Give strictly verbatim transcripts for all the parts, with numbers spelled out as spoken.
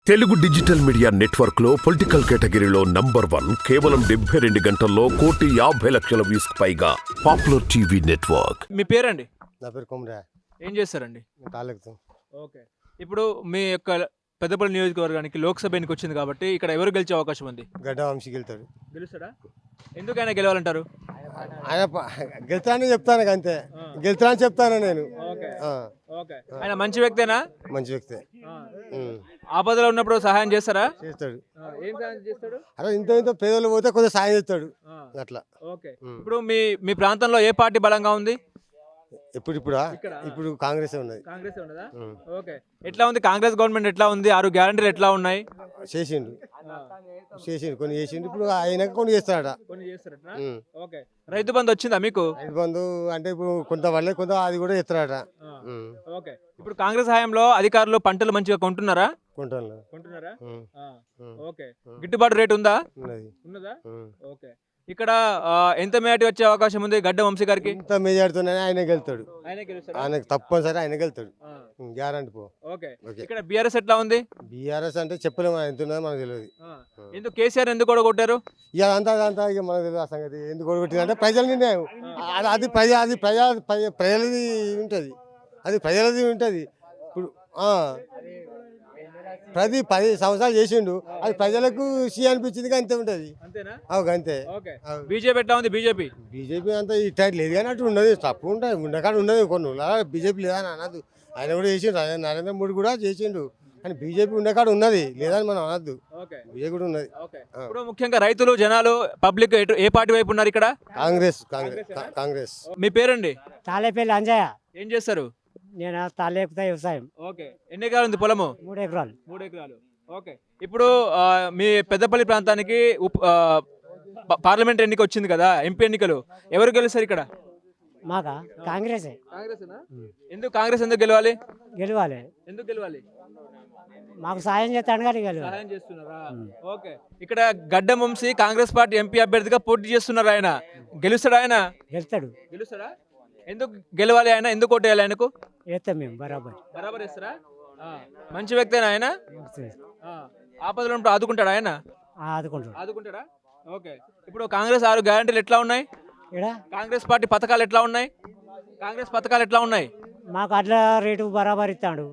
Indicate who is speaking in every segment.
Speaker 1: Telugu digital media network లో political కేటగిరీలో number one కేవలం డెబ్బై రెండు గంటల్లో కోటి యాభై లక్షల వ్యూస్ పైగా పాపులర్ టీవీ నెట్వర్క్.
Speaker 2: మీ పేరండి?
Speaker 3: నా పేరు కొమరా.
Speaker 2: ఏం చేస్తారండి?
Speaker 3: తాలెక్తాం.
Speaker 2: ఓకే. ఇప్పుడు మీ యొక్క పెద్దపల్లి నియోజకవర్గానికి లోక్సభ ఎన్నిక వచ్చింది కాబట్టి ఇక్కడ ఎవరు గెలిచే అవకాశం ఉంది?
Speaker 3: గడ్డ వంశీ గెలుతాడు.
Speaker 2: గెలుస్తాడా? ఎందుకైనా గెలవాలంటారు?
Speaker 3: ఆయన గెలుతానని చెప్తాను అంతే. గెలుతానని చెప్తాను నేను.
Speaker 2: ఓకే. ఆయన మంచి వ్యక్తేనా?
Speaker 3: మంచి వ్యక్తే.
Speaker 2: ఆపదలో ఉన్నప్పుడు సహాయం చేస్తారా?
Speaker 3: చేస్తాడు.
Speaker 2: ఏం సహాయం చేస్తాడు?
Speaker 3: అరే ఇంత ఇంత పేదలు పోతే కొద్దిగా సాయం చేస్తాడు అట్లా.
Speaker 2: ఓకే. ఇప్పుడు మీ మీ ప్రాంతంలో ఏ పార్టీ బలంగా ఉంది?
Speaker 3: ఇప్పుడు ఇప్పుడా ఇప్పుడు కాంగ్రెస్ ఉన్నది.
Speaker 2: కాంగ్రెస్ ఉన్నదా? ఓకే. ఎట్లా ఉంది కాంగ్రెస్ గవర్నమెంట్? ఎట్లా ఉంది? ఆరు గ్యారంటీలు ఎట్లా ఉన్నాయి?
Speaker 3: చేసిండు చేసిండు కొన్ని చేసిండు. ఇప్పుడు ఆయన కొన్ని చేస్తాడట.
Speaker 2: కొన్ని చేస్తారట. ఓకే. రైతు బంధు వచ్చిందా మీకు?
Speaker 3: రైతు బంధు అంటే ఇప్పుడు కొంత వాళ్ళే కొంత అది కూడా చేస్తాడట.
Speaker 2: ఓకే. ఇప్పుడు కాంగ్రెస్ హయాంలో అధికారులు పంటలు మంచిగా కొంటున్నారా?
Speaker 3: కొంటాను.
Speaker 2: కొంటున్నారా? ఓకే. గిట్టుబాటు రేటు ఉందా? ఉన్నదా? ఓకే. ఇక్కడ ఎంత మెజార్టీ వచ్చే అవకాశం ఉంది గడ్డ వంశీ గారికి?
Speaker 3: ఎంత మెజార్టీతోనే ఆయన గెలుతాడు. ఆయనకు తప్పనిసరి ఆయన గెలుతాడు. గ్యారంటీ పో.
Speaker 2: ఓకే. ఇక్కడ బీఆర్ఎస్ ఎట్లా ఉంది?
Speaker 3: బీఆర్ఎస్ అంటే చెప్పలేము ఎంత ఉన్నదో మనకు తెలియదు.
Speaker 2: ఎందుకు కేసీఆర్ ఎందుకు కొడగొట్టారు?
Speaker 3: ఇక అంతా అదంతా ఇక మనకు తెలియదు ఆ సంగతి. ఎందుకు కొడగొట్టింది అంటే ప్రజల నిర్ణయం. అది ప్రజా అది ప్రజా ప్రజలది ఉంటుంది. అది ప్రజలది ఉంటుంది. ఇప్పుడు ప్రతి పది సంవత్సరాలు చేసిండు. అది ప్రజలకు సీ అనిపించింది అంతే ఉంటుంది. అంతే.
Speaker 2: బీజేపీ ఎట్లా ఉంది? బీజేపీ
Speaker 3: బీజేపీ అంతా ఇట్లా లేదు కానీ అటు ఉన్నది. తప్పు ఉంటుంది. ఉండకాడ ఉన్నది కొన్ని బీజేపీ లేదని అనద్దు. ఆయన కూడా చేసిండు. నరేంద్ర మోడీ కూడా చేసిండు. కానీ బీజేపీ ఉండకాడ ఉన్నది లేదని మనం అనద్దు. బీజేపీ కూడా ఉన్నది.
Speaker 2: ఇప్పుడు ముఖ్యంగా రైతులు జనాలు పబ్లిక్ ఏ పార్టీ వైపు ఉన్నారు ఇక్కడ?
Speaker 3: కాంగ్రెస్. కాంగ్రెస్ కాంగ్రెస్.
Speaker 2: మీ పేరండి?
Speaker 4: తాలేపల్లి అంజయ్య.
Speaker 2: ఏం చేస్తారు?
Speaker 4: నేను తాలేపుతా వ్యవసాయం.
Speaker 2: ఓకే. ఎన్ని ఎకరాలు ఉంది పొలము?
Speaker 4: మూడు ఎకరాలు.
Speaker 2: మూడు ఎకరాలు. ఓకే. ఇప్పుడు మీ పెద్దపల్లి ప్రాంతానికి పార్లమెంట్ ఎన్నిక వచ్చింది కదా, ఎంపీ ఎన్నికలు, ఎవరు గెలుస్తారు ఇక్కడ?
Speaker 4: మాకా కాంగ్రెస్.
Speaker 2: ఎందుకు కాంగ్రెస్ ఎందుకు గెలవాలి?
Speaker 4: గెలవాలి.
Speaker 2: ఎందుకు గెలవాలి?
Speaker 4: మాకు సాయం చేస్తాడు కానీ గెలవాలి.
Speaker 2: సహాయం చేస్తున్నారా? ఓకే. ఇక్కడ గడ్డ వంశీ కాంగ్రెస్ పార్టీ ఎంపీ అభ్యర్థిగా పోటీ చేస్తున్నారు. ఆయన గెలుస్తాడు? ఆయన
Speaker 4: గెలుస్తాడు.
Speaker 2: గెలుస్తాడా? ఎందుకు గెలవాలి? ఆయన ఎందుకు ఓటేయాలి? ఆయనకు
Speaker 4: వేస్తాం మేము. బరాబర్
Speaker 2: బరాబర్ వేస్తారా? మంచి వ్యక్తేనా ఆయన? ఆపదలో ఉన్నప్పుడు ఆదుకుంటాడా ఆయన?
Speaker 4: ఆదుకుంటాడు.
Speaker 2: ఆదుకుంటాడా? ఓకే. ఇప్పుడు కాంగ్రెస్ ఆరు గ్యారంటీలు ఎట్లా ఉన్నాయి? కాంగ్రెస్ పార్టీ పథకాలు ఎట్లా ఉన్నాయి? కాంగ్రెస్ పథకాలు ఎట్లా ఉన్నాయి?
Speaker 4: మాకు అట్లా రేటు బరాబర్ ఇస్తాడు.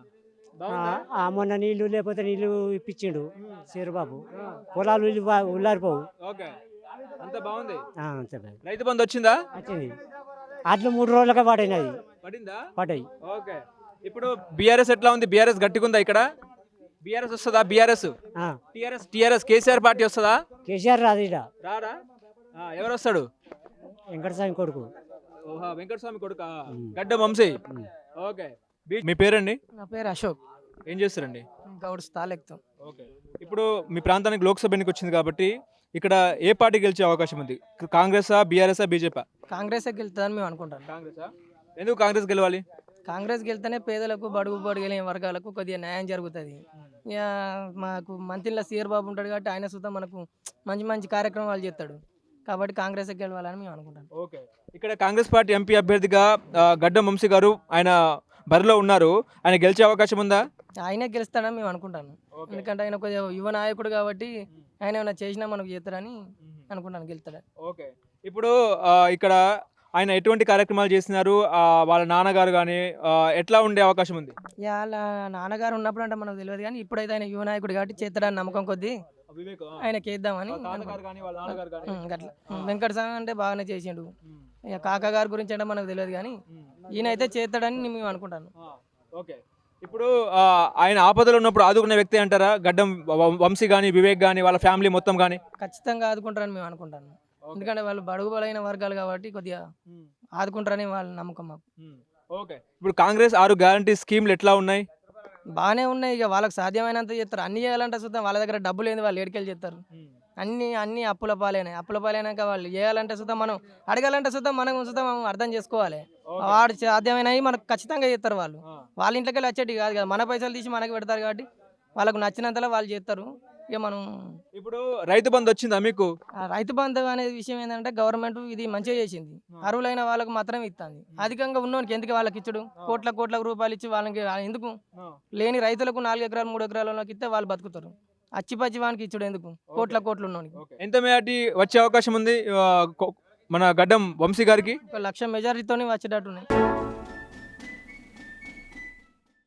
Speaker 4: మొన్న నీళ్లు లేకపోతే నీళ్లు ఇప్పించిండు చీరబాబు. పొలాలు ఉల్లారిపోవు.
Speaker 2: అంత బాగుంది.
Speaker 4: అంతే.
Speaker 2: రైతు బంధు వచ్చిందా?
Speaker 4: వచ్చింది. అట్లా మూడు రోజులకే పడినది.
Speaker 2: పడిందా?
Speaker 4: పడ్డాయి.
Speaker 2: ఓకే. ఇప్పుడు బీఆర్ఎస్ ఎట్లా ఉంది? బీఆర్ఎస్ గట్టిగుందా ఇక్కడ? బీఆర్ఎస్ వస్తుందా? BRS TRS TRS KCR party వస్తుందా?
Speaker 4: కేసీఆర్ రాదు. ఇడ
Speaker 2: రారా? ఎవరు వస్తాడు?
Speaker 4: వెంకటస్వామి కొడుకు.
Speaker 2: ఓహా, వెంకటస్వామి కొడుక గడ్డ వంశీ. ఓకే. మీ పేరండి?
Speaker 5: నా పేరు అశోక్.
Speaker 2: ఏం చేస్తారండి?
Speaker 5: గౌడ్ తాలెక్తాం.
Speaker 2: ఓకే. ఇప్పుడు మీ ప్రాంతానికి లోక్సభ ఎన్నిక వచ్చింది కాబట్టి ఇక్కడ ఏ పార్టీ గెలిచే అవకాశం ఉంది? Congress, BRS, BJP?
Speaker 5: కాంగ్రెస్ గెలుతుందని మేము అనుకుంటాం.
Speaker 2: కాంగ్రెస్. ఎందుకు కాంగ్రెస్ గెలవాలి?
Speaker 5: కాంగ్రెస్ గెలితేనే పేదలకు, బడుగు బడుగులేని వర్గాలకు కొద్దిగా న్యాయం జరుగుతుంది. ఇక మాకు మంత్రిలో సీఆర్ బాబు ఉంటాడు కాబట్టి ఆయన సుతం మనకు మంచి మంచి కార్యక్రమాలు చేస్తాడు కాబట్టి కాంగ్రెస్ గెలవాలని మేము అనుకుంటాం.
Speaker 2: ఓకే. ఇక్కడ కాంగ్రెస్ పార్టీ ఎంపీ అభ్యర్థిగా గడ్డం వంశీ గారు ఆయన బరిలో ఉన్నారు. ఆయన గెలిచే అవకాశం ఉందా?
Speaker 5: ఆయనే గెలుస్తాడని మేము అనుకుంటాను. ఎందుకంటే ఆయన కొద్దిగా యువ నాయకుడు కాబట్టి ఆయన ఏమైనా చేసినా మనకు చేస్తాడని అనుకుంటాను. గెలుస్తాడు.
Speaker 2: ఓకే. ఇప్పుడు ఇక్కడ ఆయన ఎటువంటి కార్యక్రమాలు చేస్తున్నారు? వాళ్ళ నాన్నగారు కానీ ఎట్లా ఉండే అవకాశం ఉంది?
Speaker 5: వాళ్ళ నాన్నగారు ఉన్నప్పుడు అంటే మనకు తెలియదు కానీ ఇప్పుడైతే ఆయన యువ నాయకుడు కాబట్టి చేస్తాడని నమ్మకం కొద్దీ ఆయనకి వేద్దామని. అట్లా వెంకటస్వామి అంటే బాగానే చేసిండు. ఇక కాకా గారి గురించి అంటే మనకు తెలియదు కానీ ఈయన అయితే చేస్తాడని మేము అనుకుంటాను.
Speaker 2: ఓకే. ఇప్పుడు ఆయన ఆపదలో ఉన్నప్పుడు ఆదుకునే వ్యక్తి అంటారా? గడ్డం వంశీ కానీ, వివేక్ కానీ, వాళ్ళ ఫ్యామిలీ మొత్తం కానీ
Speaker 5: ఖచ్చితంగా ఆదుకుంటారని మేము అనుకుంటాను. ఎందుకంటే వాళ్ళు బడుగు బలైన వర్గాలు కాబట్టి కొద్దిగా ఆదుకుంటారని వాళ్ళ నమ్మకం మాకు.
Speaker 2: ఓకే. ఇప్పుడు కాంగ్రెస్ ఆరు గ్యారంటీ స్కీమ్లు ఎట్లా ఉన్నాయి?
Speaker 5: బాగానే ఉన్నాయి. ఇక వాళ్ళకి సాధ్యమైనంత చేస్తారు. అన్ని చేయాలంటే చూద్దాం వాళ్ళ దగ్గర డబ్బులు ఏంది, వాళ్ళు ఏడికెళ్ళి చేస్తారు. అన్ని అన్ని అప్పుల పాలైనాయి. అప్పుల పాలైనాక వాళ్ళు చేయాలంటే చూద్దాం, మనం అడగాలంటే చూద్దాం, మనం చూద్దాం అర్థం చేసుకోవాలి. వాడు సాధ్యమైనవి మనకు ఖచ్చితంగా చేస్తారు. వాళ్ళు వాళ్ళ ఇంట్లోకి వెళ్ళి వచ్చేటి కాదు కదా, మన పైసలు తీసి మనకి పెడతారు కాబట్టి వాళ్ళకు నచ్చినంతలో వాళ్ళు చేస్తారు. ఇక మనం
Speaker 2: ఇప్పుడు రైతు బంధు వచ్చిందా మీకు?
Speaker 5: ఆ రైతు బంధు అనే విషయం ఏంటంటే గవర్నమెంట్ ఇది మంచిగా చేసింది. అర్హులైన వాళ్ళకు మాత్రమే ఇస్తుంది. అధికంగా ఉన్నోనికి ఎందుకు వాళ్ళకి ఇచ్చుడు? కోట్ల కోట్ల రూపాయలు ఇచ్చి వాళ్ళకి ఎందుకు? లేని రైతులకు నాలుగు ఎకరాలు మూడు ఎకరాల వాళ్ళకి ఇస్తే వాళ్ళు బతుకుతారు. అచ్చిపచ్చి వానికి ఇచ్చుడు ఎందుకు? కోట్ల కోట్లు ఉన్నోనికి.
Speaker 2: ఎంత మెజార్టీ వచ్చే అవకాశం ఉంది ఆ, కొ- మన గడ్డం వంశీ గారికి?
Speaker 5: ఒక లక్ష మెజారిటీతోనే వచ్చేటట్టున్నాయి.